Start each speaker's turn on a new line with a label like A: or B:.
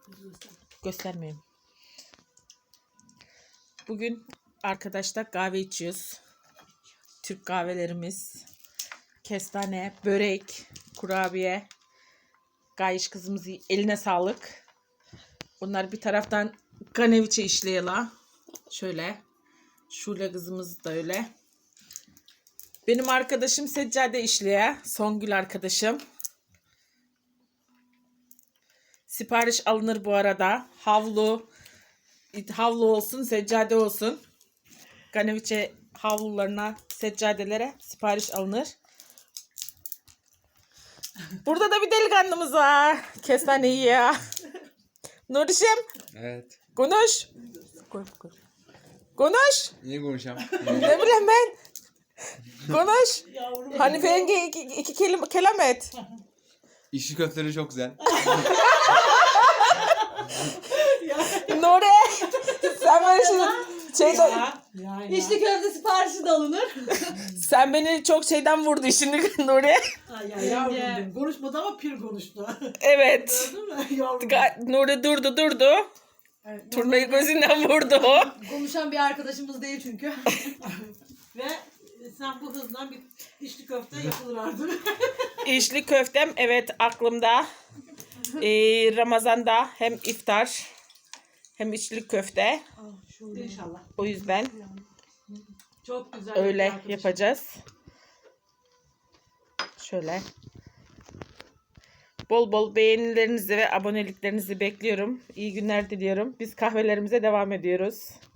A: Göstermeyeyim. Bugün arkadaşlar kahve içiyoruz. Türk kahvelerimiz. Kestane, börek, kurabiye. Gayiş kızımız eline sağlık. Bunlar bir taraftan kaneviçe işleyelim. Şöyle. Şule kızımız da öyle. Benim arkadaşım seccade işleye. Songül arkadaşım. Sipariş alınır bu arada. Havlu olsun, seccade olsun. Kaneviçe havlularına, seccadelere sipariş alınır. Burada da bir delikanlımız var. Kestane yiyor. Nurişim.
B: Evet.
A: Konuş. Konuş.
B: Niye konuşacağım?
A: Ne bileyim ben. Konuş. Hanife yenge iki kelam et.
B: İşli köfteleri çok güzel.
A: Nuri. Sen beni şeyden...
C: İçli köfte siparişi de alınır.
A: Sen beni çok şeyden vurdu şimdi Nuri.
C: Ay yavrum benim. Konuşmadı ama pir konuştu.
A: Evet.
C: Gördün mü yavrum?
A: Nuri durdu.
C: Evet,
A: Turnayı gözünden vurdu o.
C: konuşan bir arkadaşımız değil çünkü. Ve sen bu hızla bir içli köfte yapılır artık.
A: İçli köftem evet aklımda. Ramazan'da hem iftar hem içli köfte.
C: İnşallah.
A: O yüzden
C: Çok güzel.
A: öyle
C: arkadaşım.
A: yapacağız. Şöyle. Bol bol beğenilerinizi ve aboneliklerinizi bekliyorum. İyi günler diliyorum. Biz kahvelerimize devam ediyoruz.